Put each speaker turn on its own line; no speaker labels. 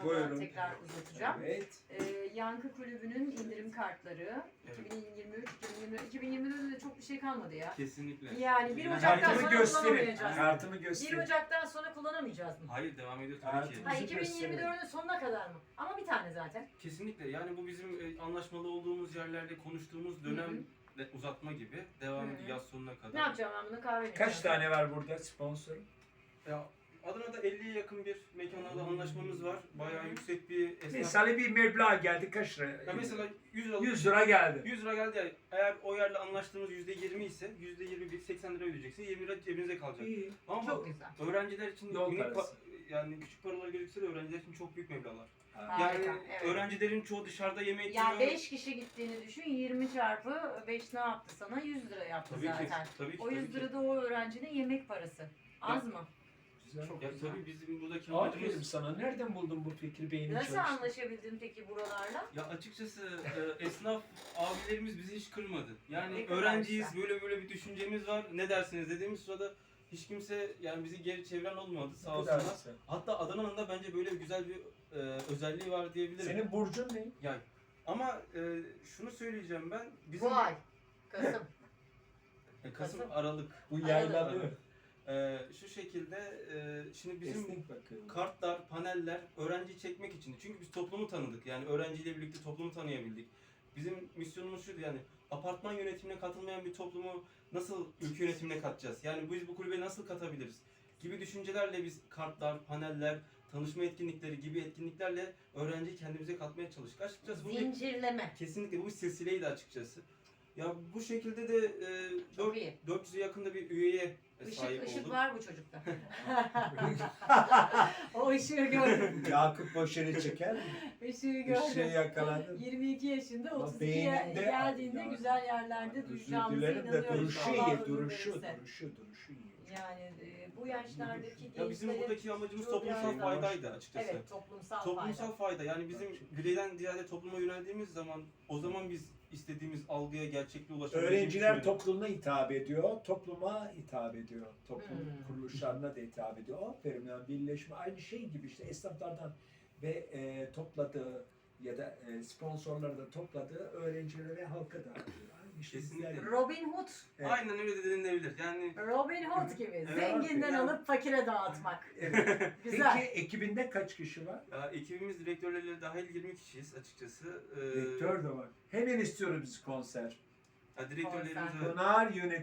Ona
Buyurun.
da tekrar uzatacağım.
Evet.
Yankı Kulübü'nün indirim kartları.
Evet.
2023, 2024'de de çok bir şey kalmadı ya.
Kesinlikle.
Yani 1
Yani
Ocak'tan
Kartımı
sonra
gösterin.
kullanamayacağız.
Kartımı
1
gösterin.
Ocak'tan sonra kullanamayacağız mı?
Hayır, devam ediyor tabii
Kartı-
ki.
Ha,
Bizi
2024'ün sonuna kadar mı? Ama bir tane zaten.
Kesinlikle. Yani bu bizim anlaşmalı olduğumuz yerlerde konuştuğumuz dönem de uzatma gibi devam ediyor yaz sonuna kadar.
Ne yapacağım ben bunu, kahve mi
Kaç
içeceğim?
tane var burada sponsor?
Ya, Adana'da 50'ye yakın bir mekanlarla anlaşmamız var. Bayağı yüksek bir esnaf.
Mesela bir meblağ geldi kaç lira?
Ya mesela 100 lira,
100 lira geldi.
100 lira geldi ya. Eğer o yerle anlaştığımız %20 ise %21 80 lira ödeyeceksin. 20 lira cebinize kalacak.
İyi.
Ama
Çok güzel.
öğrenciler için
Yol
minik
parası.
yani küçük paralar gözükse de öğrenciler için çok büyük meblağlar.
Harika,
Yani
evet.
öğrencilerin çoğu dışarıda yeme
Ya
ihtimali...
5 kişi gittiğini düşün, 20 çarpı 5 ne yaptı sana? 100 lira yaptı
Tabii ki,
zaten.
tabii ki,
O 100
tabii ki.
lira da o öğrencinin yemek parası. Az mı?
Güzel.
Ya tabii bizim buradaki
Aferin
amacımız...
sana. Nereden buldun bu fikri, beynini
Nasıl
çalıştın?
anlaşabildin peki buralarla?
Ya açıkçası esnaf abilerimiz bizi hiç kırmadı. Yani
Ne kadar
öğrenciyiz,
güzel.
böyle bir düşüncemiz var. Ne dersiniz dediğimiz sırada hiç kimse yani bizi geri çeviren olmadı sağ
Ne kadar
olsunlar.
güzel.
Hatta Adana'nın da bence böyle güzel bir özelliği var diyebilirim.
Senin burcun ne?
Yay. Ama şunu söyleyeceğim ben. Bizim
Bu ay. Kasım.
Kasım,
Kasım.
Aralık.
Bu
Aralık.
yaylalı.
Şu şekilde şimdi bizim
Esnek bakıyorum.
kartlar, paneller öğrenciyi çekmek için. Çünkü biz toplumu tanıdık. Yani öğrenciyle birlikte toplumu tanıyabildik. Bizim misyonumuz şuydu, yani apartman yönetimine katılmayan bir toplumu nasıl ülke yönetimine katacağız? Yani biz bu kulübe nasıl katabiliriz? Gibi düşüncelerle biz kartlar, paneller, tanışma etkinlikleri gibi etkinliklerle öğrenciyi kendimize katmaya çalıştık. Açıkçası bu bir,
Zincirleme.
kesinlikle bu bir silsileydi açıkçası. Ya bu şekilde de
Çok iyi.
400'e yakında bir üyeye sahip
Işık
olduk.
var bu çocukta. O ışığı gördüm.
Yakup Boşer'i çeker mi?
Işığı
Bir
gördüm.
şey yakaladın.
22 yaşında,
Ama
32'ye
beyninde-
geldiğinde
Ya,
güzel yerlerde
Özür
duracağımıza
dilerim de
inanıyorum.
duruşu
Allah
iyi,
ömür
duruşu
verirse.
iyi.
Yani bu yaşlardaki
Ya bizim
gençlerin
buradaki amacımız
çok
toplumsal
biraz-
faydaydı açıkçası.
Evet, toplumsal
Toplumsal
fayda.
fayda. Yani bizim bireyden ziyade topluma yöneldiğimiz zaman o zaman biz istediğimiz algıya, gerçekliğe ulaşabileceğimizi
Öğrenciler
düşünüyorum.
toplumuna hitap ediyor, topluma hitap ediyor, toplum kuruluşlarına da hitap ediyor. Aferin ya, birleşme aynı şey gibi işte esnaflardan ve topladığı ya da sponsorları da topladığı öğrencilere ve halka dağıtıyor. Aynı şey
Kesinlikle.
güzel.
Robin Hood.
Evet.
Aynen öyle de denilebilir. Yani
Robin Hood gibi.
Evet,
Zenginden
yani-
alıp fakire dağıtmak.
Evet.
Güzel.
Peki ekibinde kaç kişi var?
ya, ekibimiz direktörleriyle dahil 20 kişiyiz açıkçası.
Direktör de var. Hemen istiyorum biz konser.
Ya, direktörlerimiz
Konser.
var.
Pınar yönetim.